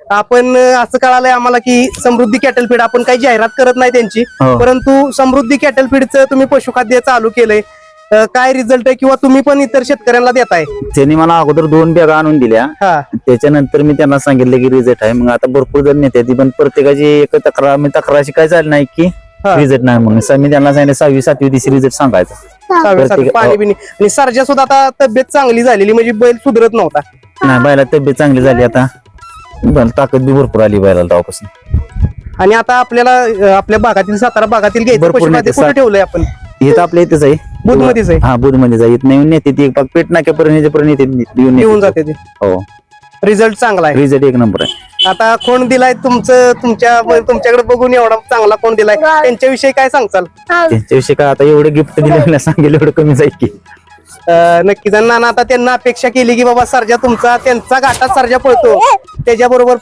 आपण असं कळालंय आम्हाला की समृद्धी कॅटल फीड आपण काही जाहिरात करत नाही त्यांची, हो. परंतु समृद्धी कॅटल फीडचं तुम्ही पशुखाद्य चालू केलंय, काय रिझल्ट आहे किंवा तुम्ही पण इतर शेतकऱ्यांना देताय? त्यांनी मला अगोदर 2 बॅगा आणून दिल्या. हा त्याच्यानंतर मी त्यांना सांगितलं की रिझल्ट आहे. मग आता भरपूर जण नेते ती, पण प्रत्येकाची एक तक्रार मी तक्रारशी काय झाली नाही की हा. रिझल्ट नाही म्हणून. मी त्यांना सांगितलं 6वी 7वी दिवशी रिझल्ट सांगायचा. पाणी बिणी आणि सर्जा सुद्धा आता तब्येत चांगली झालेली, म्हणजे बैल सुधरत नव्हता. नाही, बैला तब्येत चांगली झाली आता. ताकद बी भरपूर आली बैलाला तेव्हापासून. आणि आता आपल्याला आपल्या भागातील सातारा भागातील घ्यायचं भरपूर पशुखाद्य नेते. कुठे ठेवलंय आपण? हे तर आपल्या इथेच आहे, बुधमध्येच आहे. हा बुधमध्येच आहे. नवीन नेते ती पेट नाक्यापर्यंत येऊन जाते ते. हो, रिझल्ट चांगला आहे. रिझल्ट एक नंबर आहे. आता कोण दिलाय तुमच्याकडे बघून एवढा चांगला कोण दिलाय, त्यांच्याविषयी काय सांगचाल? त्यांच्याविषयी काय आता एवढे गिफ्ट दिले सांगेल एवढं कमी जाईल की. नक्कीच. नाना आता त्यांना अपेक्षा केली की बाबा सर्जा तुमचा त्यांचा घाटात सर्जा पळतो, त्याच्याबरोबर